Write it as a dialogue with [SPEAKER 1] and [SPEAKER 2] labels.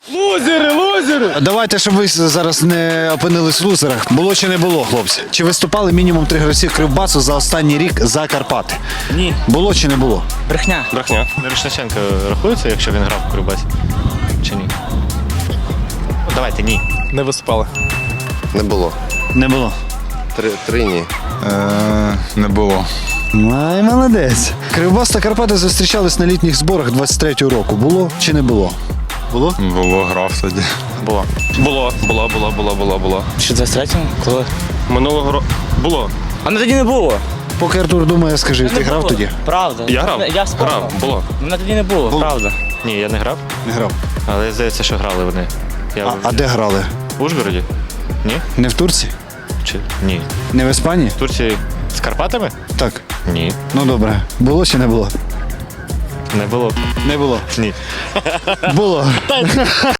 [SPEAKER 1] Лузери! Давайте, щоб ви зараз не опинились в лузерах. Було чи не було, хлопці? Чи виступали мінімум 3 гравці Кривбасу за останній рік за Карпати?
[SPEAKER 2] Ні.
[SPEAKER 1] Було чи не було?
[SPEAKER 2] Брехня.
[SPEAKER 3] Брехня. Мірошниченко рахується, якщо він грав в Кривбасі? Чи ні? Ну, давайте ні.
[SPEAKER 2] Не виступали.
[SPEAKER 4] Не було.
[SPEAKER 1] Не було.
[SPEAKER 4] Три ні.
[SPEAKER 5] Не було.
[SPEAKER 1] Ай, молодець. Кривбас та Карпати зустрічались на літніх зборах 23-го року. Було чи не було? Було?
[SPEAKER 5] Було, грав тоді.
[SPEAKER 3] Було. Було.
[SPEAKER 2] Що 23-му? Коли?
[SPEAKER 3] Минулого року. Було.
[SPEAKER 2] А не тоді не було.
[SPEAKER 1] Поки Артур думає, скажи, ти
[SPEAKER 2] Не
[SPEAKER 1] грав
[SPEAKER 2] було.
[SPEAKER 1] тоді?
[SPEAKER 2] Правда.
[SPEAKER 3] Я грав?
[SPEAKER 2] Я вспомнив.
[SPEAKER 3] Грав, було.
[SPEAKER 2] Мене тоді не було, правда.
[SPEAKER 3] Ні, я не грав,
[SPEAKER 1] Не грав.
[SPEAKER 3] але здається, що грали вони. Я
[SPEAKER 1] А де грали?
[SPEAKER 3] в Ужгороді? Ні?
[SPEAKER 1] Не в Турції?
[SPEAKER 3] Чи ні?
[SPEAKER 1] Не в Іспанії?
[SPEAKER 3] В Турції з Карпатами?
[SPEAKER 1] Так.
[SPEAKER 3] Ні.
[SPEAKER 1] Ну добре. Було чи не було?
[SPEAKER 3] Не було.
[SPEAKER 1] Не було.
[SPEAKER 3] Ні.
[SPEAKER 1] Було.